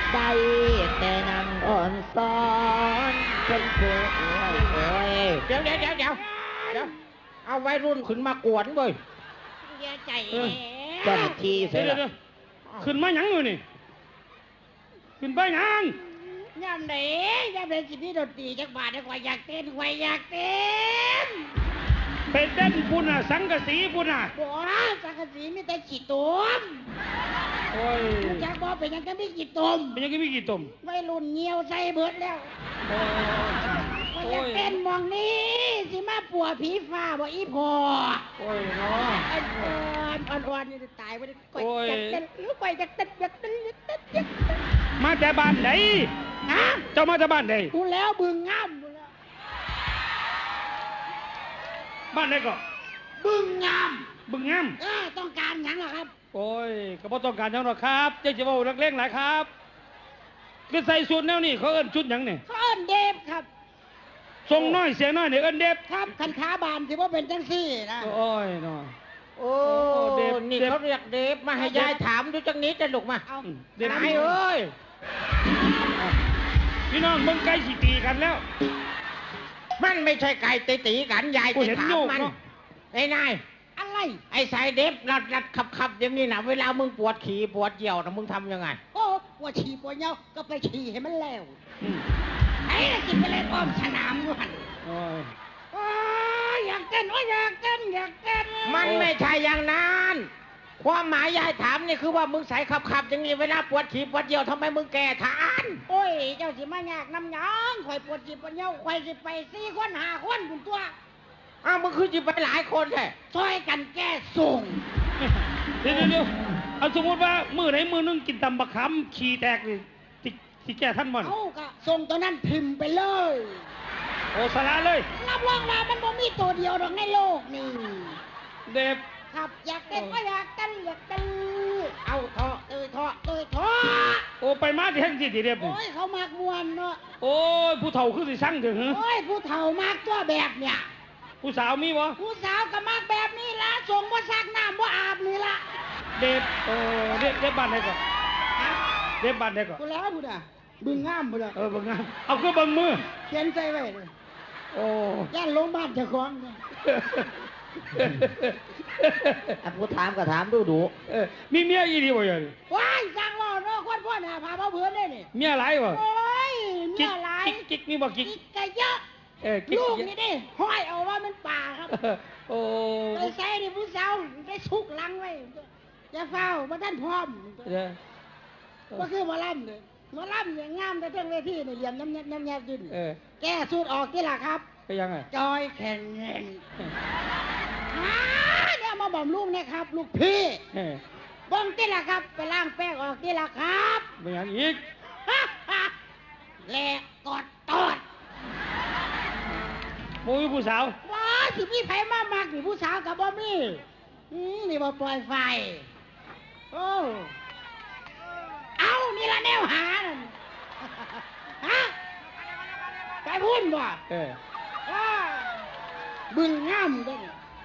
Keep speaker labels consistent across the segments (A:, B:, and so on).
A: ได้แต่นั่งอ่อนซ้อนเป็นเพื่อนโอ้ย
B: เดี๋ยวเอาวัยรุ่นขึ้นมากวนเว้ย
C: อย่าใจ
A: เจ้าหน้าที่เสร็จ
D: เดี๋ยว
A: แล้ว
D: ขึ้นมาหยังอยู่นี่ขึ้นไปหยัง
C: ย่ำไหนสิพี่ดนตรีจักบาทได้กว่าอยากเต้น
D: ไปเต้นปุ่นน่ะสังกะสีปุ่นน่ะ
C: บัวสังกะสีมีแต่ขี้ตุ่ม
D: โอ้ย
C: อยากบอกเป็นยังก็มีขี้ตุ่ม
D: เป็นยังไงมีกี่ตุ่ม
C: วัยรุ่นเงียวใส่เบิดแล้ว
D: โอ้
C: อยากเต้นมองนี้สิมาปัวผีฟ้าบ่อีพอ
D: โอ้ยเนาะ
C: อ่อนนี่ตายไปก่อยอยากเต้น
D: มาแต่บ้านไหน
C: ฮะ
D: เจ้ามาแต่บ้านไหน
C: กูแล้วบึงงามกูแล้ว
D: บ้านไหนก็
C: บึงงาม
D: บึงงาม
C: ต้องการหยังล่ะครับ
D: โอ้ยก็บ่ต้องการหยังหรอกครับเจ๊จะเว้านักเลงหลายครับคือใส่ชุดแนวนี้เขาเอิ้นชุดหยังนี่
C: เขาเอิ้นเดฟครับ
D: ทรงน้อยเสียงน้อยนี่เอิ้นเด็บ
C: ครับคันขาบานที่ว่าเป็นจังซี่นะ
D: โอ้ยเนาะ
B: โอ้
D: เดฟ
B: นี่เขาเรียกเดฟมาให้ยายถามดูจังนี้จะลุกมา
C: เอา
D: เด็บ
B: นายเอ้ย
D: พี่น้องเบิ่งไก่สิตีกันแล้ว
B: มันไม่ใช่ไก่ตีกันยาย
D: กู
B: จะ
D: เห็น
B: ถาม
D: อยู่
B: มัน
D: เนาะ
B: ไอ้นาย
C: อะไร
B: ไอ้สายเดฟรัดขับอย่างนี้นะเวลามึงปวดขี่ปวดเยี่ยวนะมึงทำยังไง
C: โอ้ปวดฉี่ปวดเยี่ยวก็ไปฉี่ให้มันแล้ว
D: อืม
C: ไอ้น่ะกินไปเลยอ้อมสนามอยู่หัน
D: โอ้ย
C: โอ้ยอยากเต้นอยากเต้น
B: มันไม่ใช่อย่างนั้นความหมายยายถามนี่คือว่ามึงใส่ขับอย่างนี้เวลาปวดขี่ปวดเยี่ยวทำไมมึงแก่ทาน
C: โอ้ยเจ้าสิมายากน้ำหยังข่อยปวดฉี่ปวดเยี่ยวข่อยสิไป4 คน5 คนคุณตัว
B: อ้าวมึงคือจะไปหลายคนแท้
C: ช่วยกันแก้ส่ง
D: เดี๋ยวเอาสมมติว่ามือไหนมือนึงกินตำบักขำขี้แตกนี่สิแก้ท่านบ่น
C: เอาก็ส่งตัวนั้นพิมพ์ไปเลย
D: โอ้สาระเลย
C: รับรองว่ามันบ่มีตัวเดียวหรอกในโลกนี่
D: เด็บ
C: ครับอยากเต้นก็อยากเต้นเอาเถาะเถาะเถาะ
D: โอ้ไปมาที่แห่งที่เด็บนี่
C: โอ้ยเขามากมวนเนาะ
D: โอ้ยผู้เฒ่าคือสิสั่งถึงหึ
C: โอ้ยผู้เฒ่ามากตัวแบบเนี่ย
D: ผู้สาวมีบ่
C: ผู้สาวก็มากแบบนี้ละส่งบ่ซักน้ำบ่อาบนี่ละ
D: เด็บเด็บบ้านไหนก่อนเด็บบ้านไหนก่อน
C: กูแล้วบุดอ่ะบึงงามบุดอ่ะ
D: เบิ่งงานเอาคือเบิ่งมือ
C: เขียนใจไว้เลย
D: โอ้
C: ย่านลงบ้านเจ้าของเนี่ย
A: ผู้ถามก็ถามดู
D: มีเมียอีดีบ่อย่าง
C: ว้ายสร้างว่าเนาะคนพ่อหน้าพาเบาเพื่อนได้นี่
D: เมียหลายบ่
C: โอ้ยเมียหลาย
D: กิ๊กมีบ่กิ๊ก
C: กิ๊กก็เยอะ
D: กิ๊ก
C: ลูกนี่ดิห้อยเอาว่ามันป่าครับ
D: โอ้
C: ไปใส่ดิผู้สาวได้ชุกหลังไว้อย่าเฝ้าบ่ท่านพร้อม ก็คือหมอลำเลยหมอลำอย่างงามแต่เรื่องเวทีนี่เหลี่ยมน้ำแยบดินแก้สูตรออกที่ล่ะครับ
D: ก็ยังไง
C: จอยแข่งเงินเนี่ยมาบ่มลูกนะครับ ลูกพี่เบ้องที่ล่ะครับ ไปล้างแป้งออกที่ล่ะครับ
D: เป็นอย่างอีก
C: แหลกกอดตอด
D: โมยผู้สาว
C: ว้าสิพี่ไผมามักนี่ผู้สาวกับบ่มีนี่บ่ปล่อยไฟโอ้เอานี่ละแนวหานั่นฮะไปพุ่นบ่ บึงงามด้วย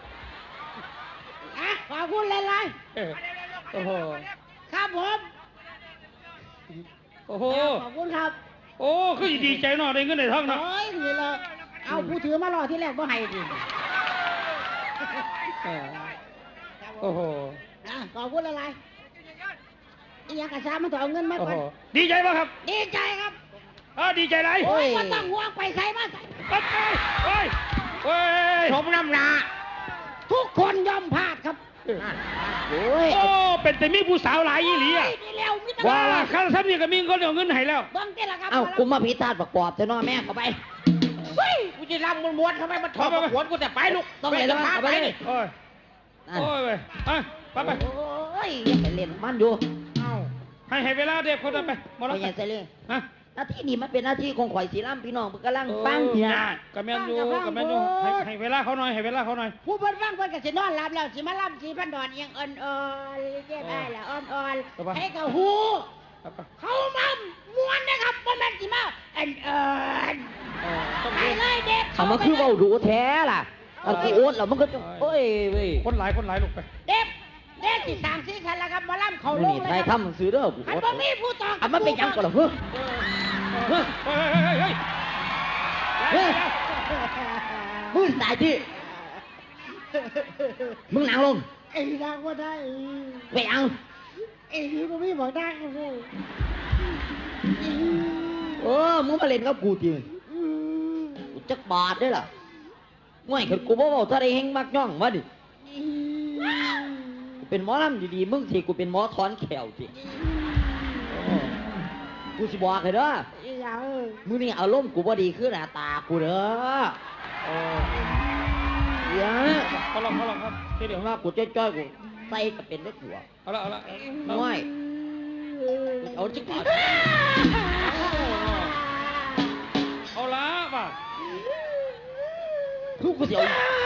C: อ่ะขอบคุณหลาย
D: โอ้โห
C: ๆครับผม
D: โอ้โห
C: ขอบคุณครับ
D: โอ้คือดีใจเนาะได้เงินได้ทองเนาะ
C: โอ้ยนี่ละเอาผู้ถือมารอที่แรกบ่ให้ดิ
D: โอ้โห
C: อ่ะขอบคุณหลายๆอีหยังกระซามันต้องเอาเงินมา
D: โอ้
C: ก่อ
D: โห
C: น
D: ดีใจป่ะครับ
C: ดีใจครับ
D: ดีใจไร
C: โอ้ยบ่ต้องห่วงไปใส่มาใส่
D: โอ้ย
B: สมน้ำหนา
C: ทุกคนยอมพลาดครับ
A: โอ้ย
D: โอ้เป็นแต่มีผู้สาวหลายยี่หลีอ่ะ
C: โยนี่แล้วมิตร
D: ว่าข้าทำนี่ก็มีคนเอาเงินให้แล้ว
C: เบิ่งที่ละครับ
A: เอ้ากูมาพิธาประกอบจะน้อแม่เข้าไป
C: เฮ้ย
B: กูจะรำม้วนๆทำไมมันถอดหัวกูแต่ไปลูก
A: ต้องไหน
B: จะพา
A: เอา
B: ไป
A: ไป
B: นี่
D: โอ้ย
A: นั่น
D: โอ้ยไปไป
A: โอ้ยอย่าไปเล่นมันอยู่
B: เอ้า
D: ให้เวลาเด็กคนนั้นไปหมด
A: ไป
D: แล้ว
A: อย่าใส่เลย
D: ฮะ
A: หน้าที่นี้มันเป็นหน้าที่ของข่อยสีล่ำพี่น้องเพิ่นกำลังฟัง
D: เนี่
A: เนี่ย ย
D: กระแมนอยู่ให้เวลาเขาหน่อยให้เวลาเขาหน่อย
C: ผู้เพิ่นฟังเพิ่นก็สินอนหลับแล้วสิมาล่ำสิพันดอนเอียงอ่อนๆเรียบได้ละอ่อนๆให้กับหูเขามาม้วนนะครับบ่แม่นสิมาอ่อนๆไปเลยเด็ก
A: เขามาคือเว้าดูแท้ล่ะเอาคือโอ๊ตแล้วมันก็จะโอ้ยเว้ย
D: คนหลายลูกไป
C: เด็กที่สร้างสีสันแล้วครับหมอลำเขา
A: มึ
C: ล
A: ง
C: ง
A: นี่
C: เลย
A: ไทย
C: ครับ
A: ทำซื้อเด้อกู
C: อันบ่มีผู้ตอง
A: อันมันเป็นหยังก่อนล่ะเฮ้ยเฮ้ย
D: เฮ้ย
A: เฮ้ยมึงตายที่มึงนั่งลง
C: ไอ้ดังว่าได้
A: ไปเอา
C: ไอ้นี่บ่มีบอกดังเลย
A: มึงมาเล่นกับกูจริงกูจักบาทได้ล่ะง่วยขึ้นกูบ่เว้าถ้าได้เฮงมักย่องมาดิกูเป็นหมอลำดีๆมึงสิกูเป็นหมอถอนแขวสิกูสิบอกให้เด้อ
C: อย่า
A: มื้อนี้อารมณ์กูบ่ดีคือหน้าตากูเด้ออย่า
D: เขาลองครับทีเดี
A: เดี๋
D: ย
A: ยว วว่ากูจ้อยๆกูใส่ก็เป็นได้กูอะ
D: เอาละ
A: ง่วยเอาจิกก่อน
D: เอาละป่ะ
A: คือกูสิเอา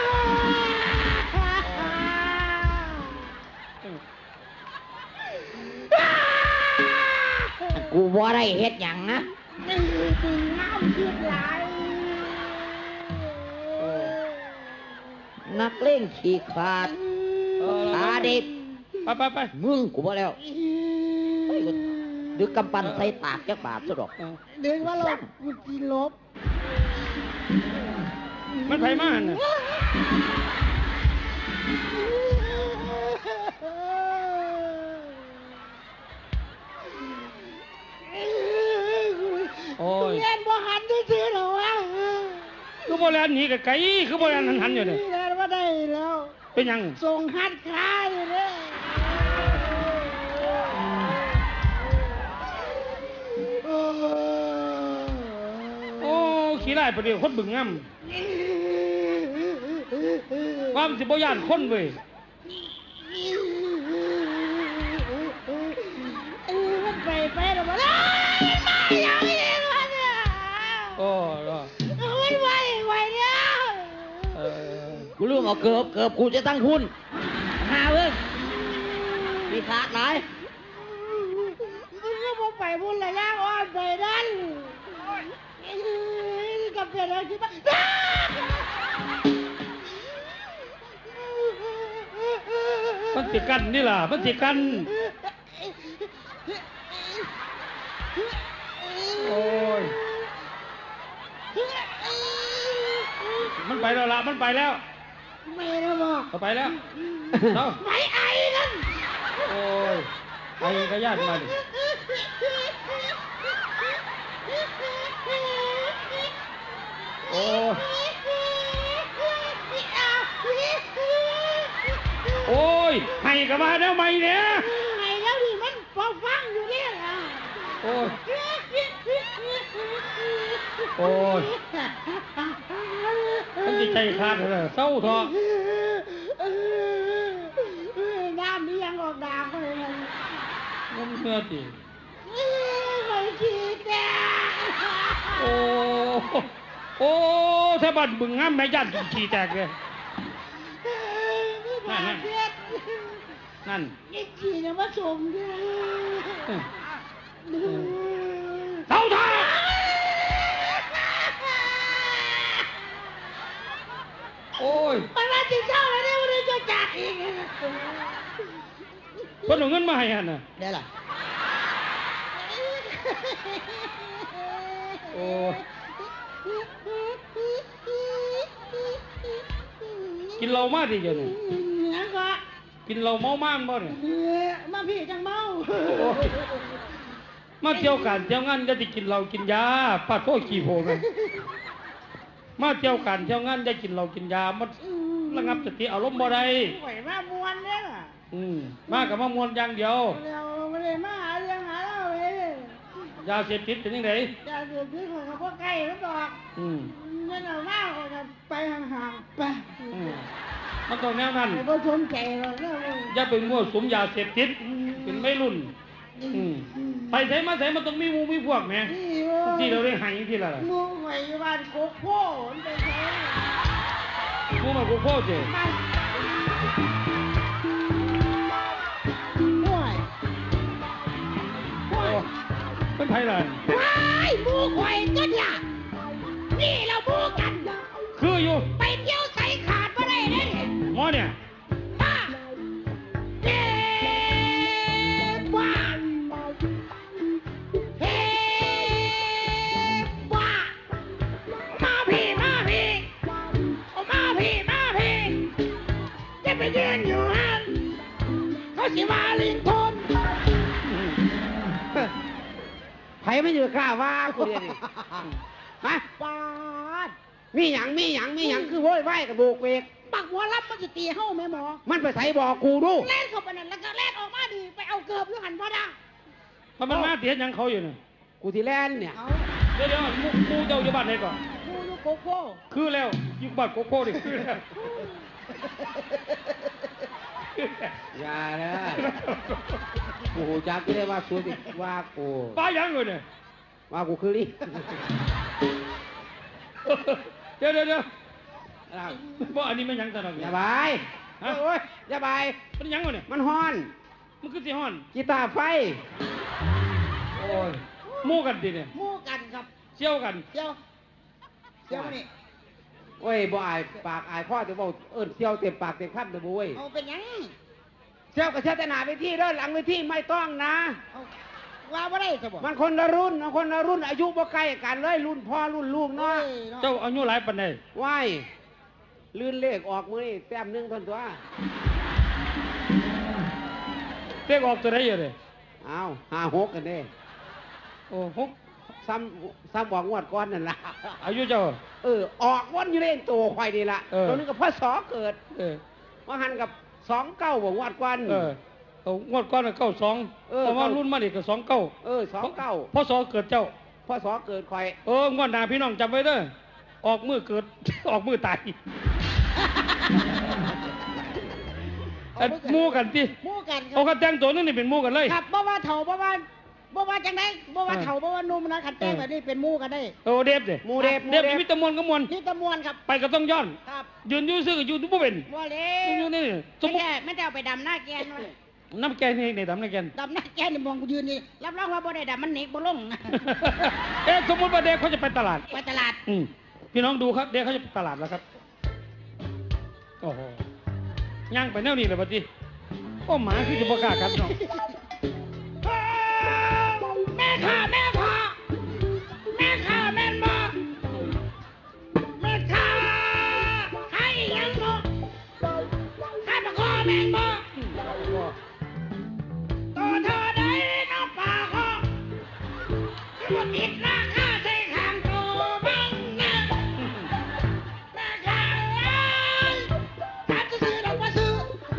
A: กูบ่ได้เฮ็ดหยังนะ
C: ตึงน้ำคิดหลาย
A: นักเล่งขี้ขาดขาเด็ก
D: ไป
A: มึงกูบ่แล้วเฮ้ยกูดึกกำปั้นใส่ตากจักบาทซะดอก
C: เดินว่าเรากูจีลบ
D: มันไผมากน่ะ โอ้ย
C: เรียนบ่หันซื้อหรอวะ
D: คือโบราณหนีกับไก่คือโบราณหันอยู่เนี่ย
C: เรียนว่าได้แล้ว
D: เป็นยัง
C: ส่งหัดขาอยู่เลย
D: โอ้ขี้ไล่ประเดี๋ยวคนบึงงำความสิบย่านคนเว้ย
C: มันไปหรอวะมาอย่างนี้วะเนี่ย
D: โอ้
C: มันไหวเนี่ย
A: กูลืมเอาเกือบกูจะตั้งคุณหาเว้ยมีขาดหลาย
C: มันก็มาไปบุญระยะอ่อนไปนั่นกับเพื่อนเราคิดว่า
D: มันสิกันนี่ล่ะมันสิกันโอ้ยมันไปแล้วล่ะมันไปแล้ว
C: ไม่นะบอก
D: เอาไปแล้วเอา
C: ไม่ไอ้นั่น
D: โอ้ยไอ้กระยานมาดิโอ้ยโอ้ยให้กับมาแล้วไหมเนี่ย
C: ไอ้แล้วนี่มันฟังอยู่เนี่ย
D: โอ้ยโอ้ยมันจิตใจขาดเลยเศร้าเถอะ
C: น้ำนี่ยังออกดาวเลย
D: มันเมื่อสิ
C: ไปขี้แตก
D: โอ้โอ้ถ้าบัดบึงงามแม่ยันขี้แตกเลย นั่น
C: ไอ้ขี้เนี่ยมาชมด้วย
D: เศร้าเถอะโอ้ย
C: มันมาติดเจ้าแล้วเนี่ยมันจะจัดอีก
D: เพิ่นเอาเงินมาให้หั่นน่ะ
A: ได้ล่ะ
D: โอ้ยกินเหล้ามาดิเจ้านี่
C: นั่นก็
D: กินเหล้าเมามากบ่เนี่ย
C: มาพี่จังเมา
D: โอ้ยมาเที่ยวการเที่ยวงานจะได้กินเหล้ากินยาปาดโทษขี้โพแม่นมาเที่ยวการเที่ยวงานจะกินเหล้ากินยามันระงับสติอารมณ์บ่ได้
C: ไหวมามวนเนี่ย
D: มากับมามวนอย่างเดียว
C: เราไม่ได้มาหาเรื่องหาเล่าเลย
D: ยาเสพติดเป็นยังไง
C: จะเดือดที่ของพวกไก่แล้วดอก
D: อืม
C: เงินเอามากกว่าไปห่างๆไป
D: อืมมันต้องแนวนั้น
C: ไอ้พวกชมใจเราเนี่ย
D: อย่าไปมั่วสุมยาเสพติดเป็นไม่รุ่น ไปใส่มาใส่มันต้องมีหมูมีพวกแหมที่เราได้ใหายที่ละล่ะ
C: มูไหวบ้านโคกโพ่มันไปใช้
D: หมูมากูโคตรเจ้
C: บ้านห่วยห่วย
D: เป็นไทยเลย
C: ว้ายหมูข่อยก็ล่ะนี่เราหมูกัน
D: คืออยู่
C: ไปเที่ยวใส่ขาดมาได้เนี่ย
D: หมอเนี่ย
C: มาเด้
B: ไม่อยู่กล้าว่ากูเดียวนี่ฮะ
C: ปาด
B: มีหยังคือโว้ยไหวกับโบกเวก
C: ปักหัวรับมันจะตีเฮ้าแม่หมอ
B: มันไปใส่บอกกูดู
C: เล่นเข้าไปนั่นแล้วก็เล่นออกมาดีไปเอาเกือบอยู่หันพ่อดา
D: มันมาเตียนหยังเขาอยู่เนี่ย
B: กูที่แลนเนี่ย
C: เอา
D: เดี๋ยวมูเจ้าอยู่บ้านไหนก่อน
C: กูอยู่โกโก้
D: คือแล้วอยู่บ้านโกโก้ดิคือแล้ว
B: อย่านะกูจักไม่ได้ว่าสูดิว่ากู
D: ป้ายังเลยเนี่ย
B: ว่ากูคือลิ
D: เดี๋ยว
B: อ้าว
D: บ่อันนี้ไม่ยังตลอด
B: อย่าบาย
D: ฮะ
B: โอ้ยอย่าบาย
D: มันยังเลยเนี่ย
B: มันฮ้อน
D: มันคือสิฮ้อน
B: กีตาร์ไฟ
D: โอ้ยมู่กันดิเนี่ย
C: หมู่กันครับ
D: เชี่ยวกัน
C: เดี๋ยวมานี่
B: โอ้ยบ่อายปากอายข้อจะบอกเอิ้นเที่ยวเต็มปากเต็มคำแต่บุ้ย
C: เอาเป็นหยัง
B: เที่ยวกับเที่ยวแต่หนาเวทีเด้อหลังเวทีไม่ต้องนะ
C: เอาว่าบ่ได้ซะบ่
B: มันคนละรุ่นอายุบ่ใกล้กันเลยรุ่นพ่อรุ่นลูกเนาะ
C: อ้ยเนาะ
D: เจ้าอายุหลายปานใด
B: ว้ายลื่นเลขออกมือนี่แต้มหนึงเท่านตัว
D: เรียกออกตัวไหนอยู่เลย
B: อ้าว5-6กันเด้
D: โอ้หก
B: ซ้ำบอกงวดก้อนนั่นล่ะ
D: อายุเจ้า
B: ออกวนอยู่เล่นตัวควายนี่ล่ะ
D: เออ
B: ตัวนึงกับพ่อสอเกิด
D: เออ
B: ว่าหันกับ29บอกงวดก้อน
D: เอางวดก้อนเก้าสอง
B: เออ
D: เพราะว่ารุ่นมาดิก็29
B: 29
D: พ่อสอเกิดเจ้า
B: พ่อสอเกิดควาย
D: งวดหน้าพี่น้องจำไว้เด้อออกมือเกิด ออกมือตายอันหมู่กันที่
C: หมู่กันค
D: เอา
C: รับ
D: กระแต่งตัวนึงนี่เป็นหมู่กันเลย
C: ครับบ่ว่าเฒ่าบ่ว่าจังได๋บ่ว่าเฒ่าบ่ว่าหนุ่มนะคันแต่งแบบนี้เป็นหมู่กันได้
D: โอ้เดฟเด้
B: หมู่เดฟ
D: เดฟนี่มีแตะมวนก็มวน
C: นี่ตะมวนครับ
D: ไปก็ต้องย้อน
C: ครับ
D: ยืนอยู่ซื่อก็อยู่บ่เป็น
C: ว่าแล้
D: อยู่
C: ว
D: นี่สมมุติ
C: ไม่ได้เอาไปดำหน้าแกนว่า
D: น้ำแกงนี่ในดำน้ำแกง
C: ดำหน้าแกนนี่มองกูยืนนี่รับรองว่าบ่ได้ดำมันหนีบ่ลง
D: สมมติว่าเด็กเขาจะไปตลาด
C: ไปตลาด
D: พี่น้องดูครับ เด็กเขาจะไปตลาดแล้วครับ โอ้โหย่างไปแนวนี้เลยปะจีโอ้หมาคือจะประกล้าศครับน้อง
C: แม่ข้าแม่พ่อแม่ข้าแม่นบ่แม่ข้าให้ยังบ่ให้มาขอแม่นบ่ตัวเธอได้น้ำปลาขอที่บ่ติดราคาใส่ข้างตัวบังนะแม่ข้าเอ้ยถ้าจะซื้อดอกบ่ซื้อ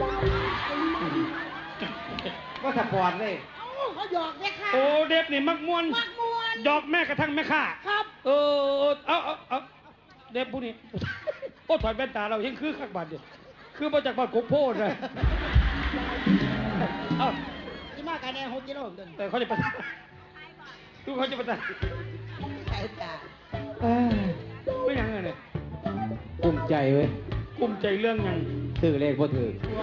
B: ก็สปอร์ตเลย
C: เอ้าเขาหยอกแม่ข้า
D: โอ้เด็กนี่มักมวน
C: มักมวน
D: ดอกแม่กระทั่งแม่ข้า
C: ครับ
D: เอาเด็กผู้นี้ โอ้ถอดแว่นตาเรายังคือขักบาดเดียวคือมาจากบ้านกกโพดเลยเอ้า
C: ที่มากันแน่6กิโลเดิน
D: แต่เขาจะไปดูเขาจะไปตลาด
C: สายตา
D: ไม่ยังไงเนี่ย
B: กุ้มใจเว้ย
D: กลุ้มใจเรื่องยัง
B: ถือเลขบ่ถือ
C: ว่า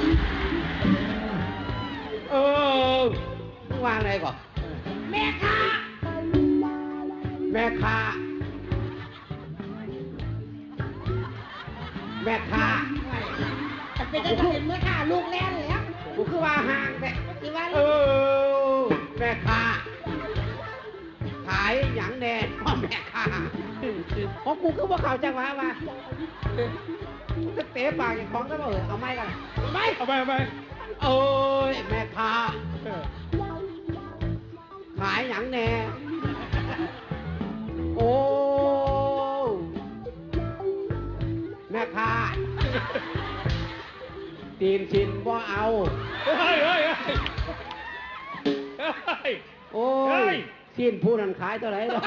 D: เออ
B: มึงวางอะไรก่อน
C: แม่ข้า
B: แม่ค้าแม่ค้า
C: จะเป็นจะเป็นเมื่อข้าลูกแล่นแล้ว
B: กูคือว่าห่างแต่
C: สิว่า
B: เออแม่ค้าขายหยังแน่พ่อแม่ค้าของกูคือว่าเขาจังหวะว่าจะเตะปากอย่างของก็บอกเอาไม้กัน
C: ไป
D: เอาไป
B: เอ้ยแม่ค้า
D: เออ
B: ขายหยังแน่โอ้แม่ค้าตีนชินบ่เอา
D: เฮ้ย
B: โอ้
D: เฮ้
B: ย
D: ย
B: สิ้นผู้นั้นขายเท่าไหร่ล่ะ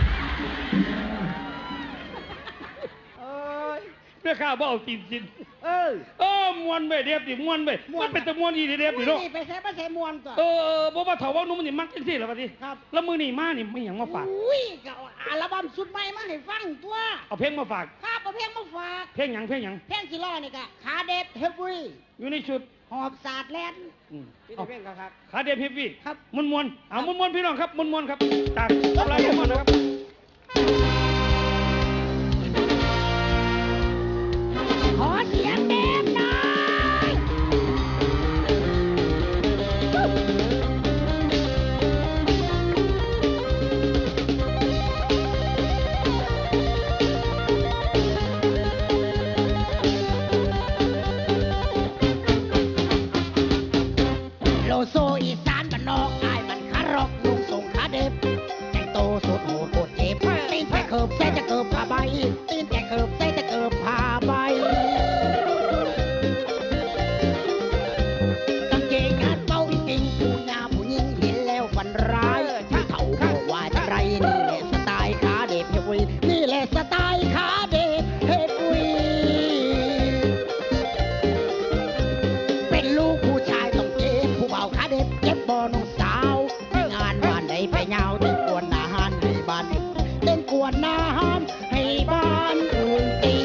B: เอ้ย
D: แม่ข้าบ่เอาตีนจิน
B: เออ
D: มวนไปเด็บดิมวนไปมันเป็นแต่มวนอีเด็บดิเนาะ
C: นี่ไปใส่มาใส่มวนตัว
D: บ่ว่าเถาว่านุ่มมันนี่มักจังซี่ล่ะบัดนี้
C: ครับ
D: แล้วมื้อนี้มานี่ไม่หยังมาฝาก
C: อุ้ยก็เอาอัลบั้มสุดใหม่มาให้ฟังตัว
D: เอาเพลงมาฝาก
C: ข้าประเพลงมาฝาก
D: เพลงหยัง
C: เพลงสิล้อนี่ก็ขาเด็ดเฮฟวี่
D: อยู่ในชุด
C: หอบสาดแลนด์
B: พี่
D: เอา
B: เพ่งครับ
D: ขาเด็บเฮฟวี่
C: ครับ
D: มวนเอามวนพี่น้องครับมวนครับจากอะไรมวนนะครับ
C: ขอเสียงเด็ดหน่อย โลโซอีสานบ้านนอกอายมันคารอกลุงส่งขาเด็บกิบใส่จะเกิบผ้าใบตีนแต่เกิบใส่จะเกิบผ้าใบกางเกงขาดเป้าจริงผู้หญิงผู้หญิงเห็นแล้วฝันร้ายที่เขาบอกว่าจะไรนี่แหละสไตล์ขาเด็บเฮฟวีนี่แหละสไตล์ขาเด็บเฮฟวีเป็นลูกผู้ชายต้องเจ็บผู้เบาขาเด็บเจ็บบ่น้องสาวงานบ้านใดไปยาวเต้นกวนอาหารให้บ้านเต้นกวนอาหารให้บ้านอื่นตี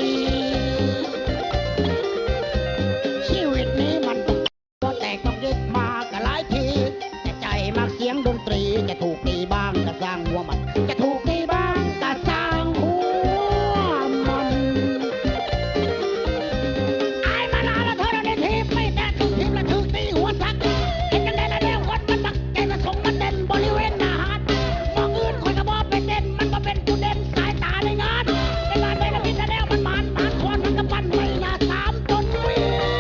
C: ชีวิตนี้มันต้องแตกต้องยึดมากันหลายทีแต่ใจมักเสียงดนตรีจะถูกตีบ้างก็สร้างหัวมันจะถูกตีบ้างก็สร้างหัวมันไอ้มาลาละเธอในทีมไม่แต่ทุกทีมละถูกตีหัวสักเห็นกันได้ละเดียวคนมันมักใจมาส่งมันเด่นบริเวณหน้าหาดมองอื่นคนก็บอกเป็นเด่นมันก็เป็นจุดเด่นสายตาในงานในบ้านในละพิษแล้วมันมันคนมันก็ปั้นไม่น่าสามต้นวิ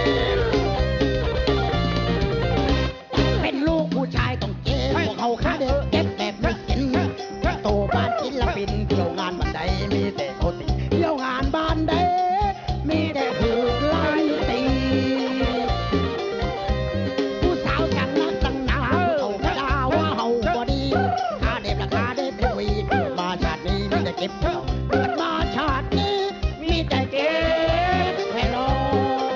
C: เป็นลูกผู้ชายต้องเจ็บพวกเขาขาเด็กเจ็บแบบไม่กินโตบ้านศิลปินเที่ยวงานบ้านใดมีแต่โคติเที่ยวงานบ้านใดมีแต่ถูกไล่ตีผู้สาวจังนักจังหนาเขาก็ด่าว่าเฮาบ่ดีขาเด็บราคาเด็บเป็นวีเกิดมาชาตินี้มีแต่เก็บเกิดมาชาตินี้มีแต่เก็บแค่น้อง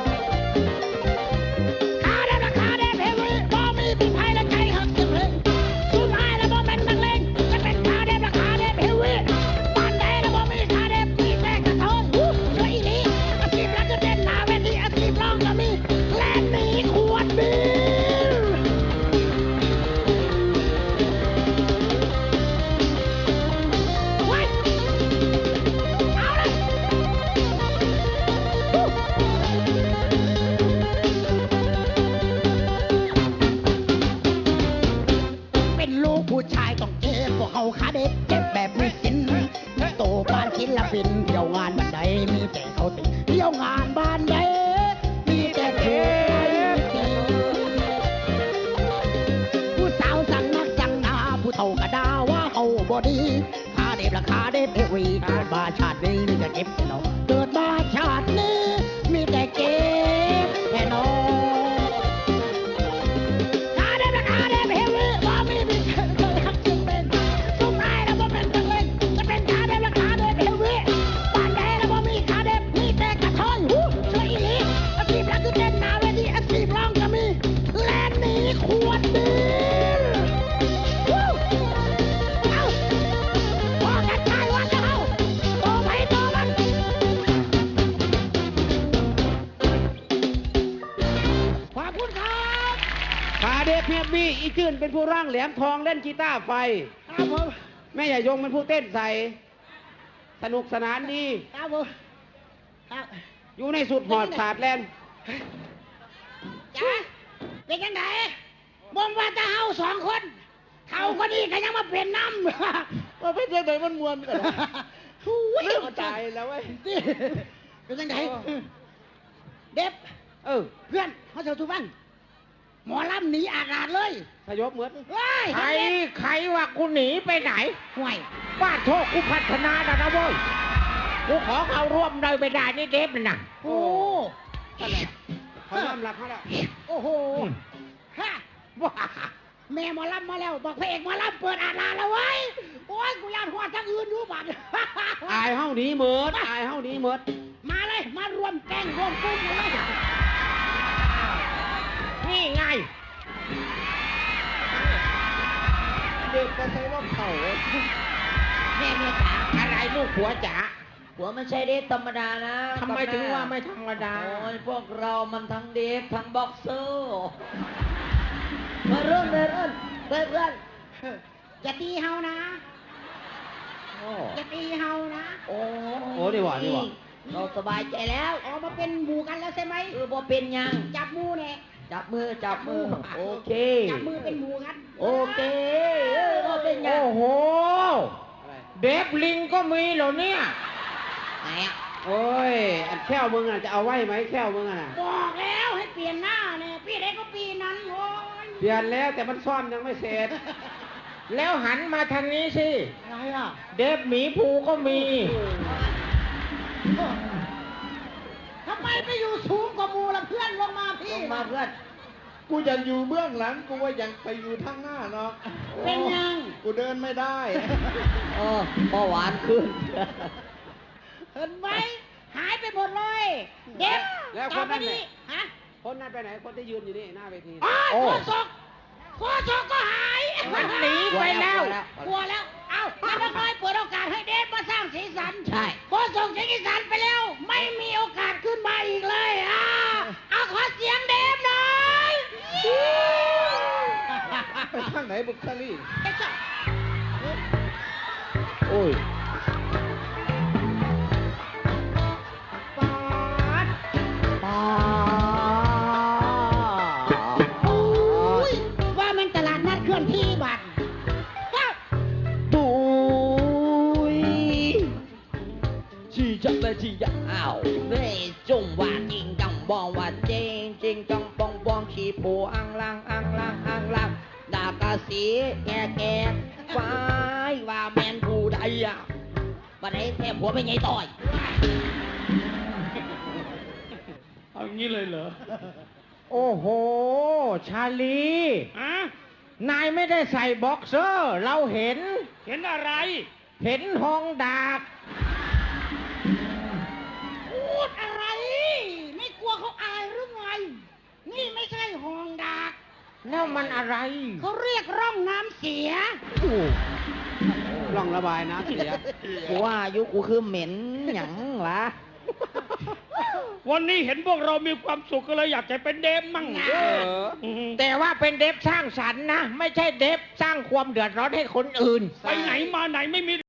C: ขาเด็บราคาเด็บเป็นวีบ่มีปีไพ่และใจหักจึงเลยสุดท้ายแล้วบ่เป็นนักเลงจะเป็นขาเด็บราคาเด็บเป็นวีบ้านใดแล้วบ่มีขาเด็บมีแต่กระเทยช่วยอีหลีอาชีพรักก็เด่นหน้าเวทีอาชีพร้องก็มีแล่นหนีขวดเบียร์ไว้เอาเลยเป็นลูกผู้ชายต้องเจ็บพวกเขาขาเด็บเจ็บแบบไม่สิ้นโตบ้านศิลปินเที่ยวงานบ้านใดมีแต่เขาติเที่ยวงานบ้านใดมีแต่เจ็บผู้สาวสั่งนักสั่งหนาผู้เฒ่าก็ด่าว่าเขาบ่ดีขาเด็บราคาเด็บเอวีเกิดมาชาตินี้มีแต่เก็บแค่น้องเกิดมาชาตินี้มีแต่เก็บแค่น้องขาเด็บราคาเด็บเอวีบ่มีมีเคยหักจึงเป็นสุดท้ายแล้วบ่เป็นนักเลงจะเป็นขาเด็บราคาเด็บเอวีบ้านใดแล้วบ่มีขาเด็บมีแต่กระเทยช่วยอีหลีอาชีพรักคือเด่นหน้าเวทีอาชีพร้องก็มีแล่นหนีขวดเบียร์เอาพอกันตายวันจะเอาโตไปโตมันขอบคุณครับ
B: ขาเด็บเพียบบี้อีจื่นเป็นผู้ร่างแหลมทองเล่นกีตาร์ไฟ
C: ครับผม
B: แม่ใหญ่ยงเป็นผู้เต้นใส่ สนุกสนานดี
C: ครับผมครับ
B: อยู่ในสุดหอดศาสตร์แลนด์
C: จ้าเป็นยังไงบ่มว่าจะเฮาสองคนเขาก็ดีก็ยังมาเป็นน้ำ
B: ว่าเป็นยังไงมันมวนกัน
C: เริ่ม
B: ตายแล้วเว้ย
C: เป็นยังไงเด็บ
B: เออ
C: เพื่อนเขาเจอทุกวันหมอลำหนีอาดเลย
B: สยบเหมือน
C: เฮ้ย
B: ใครว่ากูหนีไปไหน
C: ห่วย
B: บ้านโชคกูพัฒนาแล้วนะเว้ยกูขอเข้าร่วมเลยไม่ได้นี่เด็บเลยนะ
C: โอ้
B: เขายอมรับเขาแล้ว
C: โอ้โหฮะ
B: ว้า
C: แม่หมอลำมาแล้วบอกพระเอกหมอลำเปิดอาดแล้วเว้ยโอ้ยกูอยากหัวทั้งอื่นดูบัตร
B: อายเฮ้าหนี้เหมิดอายเฮ้าหนี้เหมิด
C: มาเลยมารวมแก๊งรวมกลุ่มกันเลย
B: นี่ไง เด็กก็ใช้ว่าเขา
C: แม่จ๋า
B: อะไรลูกผัวจ๋า
A: หัวไม่ใช่เดฟธรรมดานะ
B: ทำไมถึงว่าไม่ธรรมดา
A: โอ้ยพวกเรามันทั้งเดฟทั้งบ็อกเซอร์มาเริ่มเลยเริ่มเพื่อน
C: อย่าตีเฮานะ
A: โอ้
C: อย่าตีเฮานะ
A: โอ้
B: โอ้ดีกว่าดีกว่า
A: เราสบายใจแล้ว
C: ออกมาเป็นหมู่กันแล้วใช่ไหม
A: พอเป็นยัง
C: จับหมู่เนี่ย
A: จับมือจับมือโอเค
C: จับมือเป็นหมู่กัน
A: โอเคพอเป็นยัง
B: โอ้โห เดฟลิงก็มีเหรอเนี่ย
A: ไหนอ่ะ
B: โอ้ย อันแค่วมึงอ่ะจะเอาไว้ไหมแค่วมึงอ่ะนะ
C: บอกแล้วให้เปลี่ยนหน้าเนี่ยปีไหนก็ปีนั้นโอ้ย
B: เปลี่ยนแล้วแต่มันซ่อมยังไม่เสร็จแล้วหันมาทางนี้สิ
C: อะไรอ่ะ
B: เดฟหมีภูก็มี
C: ทำไมไปอยู่สูงกว่าหมูละเพื่อนลงมาพี่
A: ลงมาเพื่อน
E: กูอยากอยู่เบื้องหลังกูว่าอยากไปอยู่ทางหน้าเนาะ
C: เป็นยัง
E: กูเดินไม่ได้
A: เออเบาหวานขึ้น
C: เห็นไหมหายไปหมดเลยเด็ก
B: แล้ว
C: ต่อ
B: คน
C: ไป
B: นั้น
C: นี้
B: เนี่ย
C: ฮะ
B: คนนั้นไปไหน คนที่ยืนอยู่นี่หน้าเวที
C: อ๋อ
A: โอ้
C: โคศกก็หาย
B: มันหนีไปแล้ว
C: กลัวแล้ว เอาแล้วก็น้อยเปิดโอกาสให้เดฟมาสร้างสีสัน
A: ใช่
C: โคศกสีสันไปแล้ว ไม่มีโอกาสขึ้นมาอีกเลยเอาขอเสียงเดฟหน่อย
E: ไปทางไหนบุกซาลี่
C: เด็กจ้ะ
A: โอ้ย
C: ปาด
A: ปา
C: โอ้ยว่ามันตลาดนัดเคลื่อนที่บัตรว้าว
A: ปุยชีจับเลยชีจะอ้าวเร่จงว่าจริงจังบองว่าเจงจริงจังบองบองชีปูอังลังอังลังอังลังดากาสีแก่แก่ฟ้ายว่าแมนผู้ใดอ่ะบัดนี้แทบหัวไม่ไงต่อย
D: เอางี้เลยเหรอ
B: โอ้โห ชาลี
D: อะ
B: นายไม่ได้ใส่บ็อกเซอร์ เราเห็น
D: เห็นอะไร
B: เห็นห้องดาบ
C: พูดอะไร ไม่กลัวเขาอายหรือไง นี่ไม่ใช่ห้องดัก
B: แล้วมันอะไร
C: เขาเรียกร่องน้ำเสีย
B: ลองระบายน้ำเสีย
A: กูว่าอายุกูคือเหม็นหยังวะ
D: วันนี้เห็นพวกเรามีความสุขก็เลยอยากจะเป็นเดมมั่ง
B: เออ
D: ม
B: แต่ว่าเป็นเดฟสร้างสรรค์นะ ไม่ใช่เดฟสร้างความเดือดร้อนให้คนอื่น
D: ไปไหนมาไหนไม่มี